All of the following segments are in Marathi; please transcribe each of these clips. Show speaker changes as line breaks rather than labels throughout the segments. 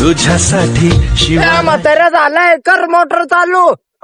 तुझ्यासाठी शिवाय
म्हाताऱ्या झालाय कर मोटर चालू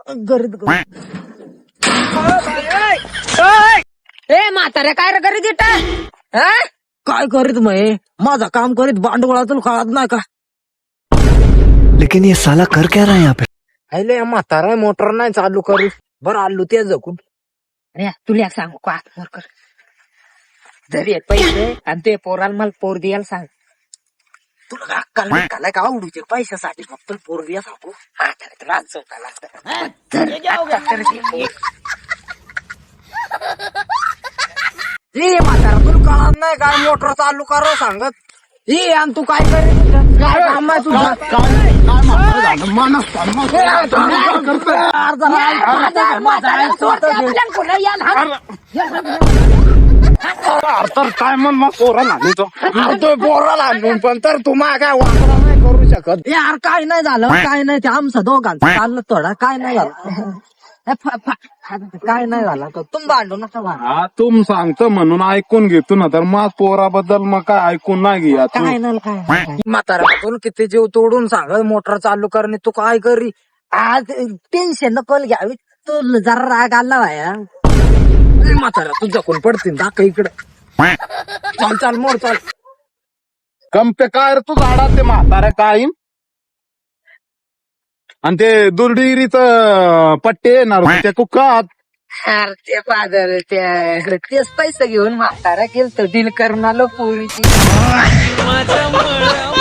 ए म्हाताऱ्या काय रे करीत इथं? काय करीत मग माझा काम करीत भांडवळातून कळत नाही का?
लेकिन ये साला कर क्या रहा है यहाँ पे?
अरे म्हातारा मोटर नाही चालू करू बरं आलू ते जगून.
अरे तुला सांगू का कर जरी पैसे आणि ते पोराला मला पोर द्यायला सांग.
तुला का अक्कल नाही का? का आवडूचे पैशासाठी फक्त पोरगी सांगू
राज चौकाला
ए म्हातारा तुला कळत नाही काय मोटर चालू करो सांगत ए आणि तू काय करीत इथं? काय काम आहे तुझं?
तर काय मग मग पोरा नाही तो
तो पोराला आणून पण तर तुम्हाला काय वापरा नाही करू शकत यार काय नाही झालं काय नाही ते आमचं दोघांचं चाललं थोडा काय नाही झालं काय नाही झालं तर तुम्ही भांडू नका भांडू.
हा तुम सांगतो म्हणून ऐकून घेतो ना तर मग पोराबद्दल मग काय ऐकून नाही घ्या तू.
काय नाही काय म्हातारा किती जीव तोडून सांग मोटर चालू करणे तू काय करी आज टेन्शन नको घ्यावी तू जरा राग आला भाया म्हातारा तुझ्या कोण पडतील दाखव इकडे चाल चाल मोड चाल
कंपे काय रे तू झाडात ते म्हाताऱ्या काय आणि ते दुर्डिरीच पट्टे येणार होते, ते कुकात
अरे ते फादर तेच पैसे घेऊन म्हातारा केलं डील करून आलो पोरीची.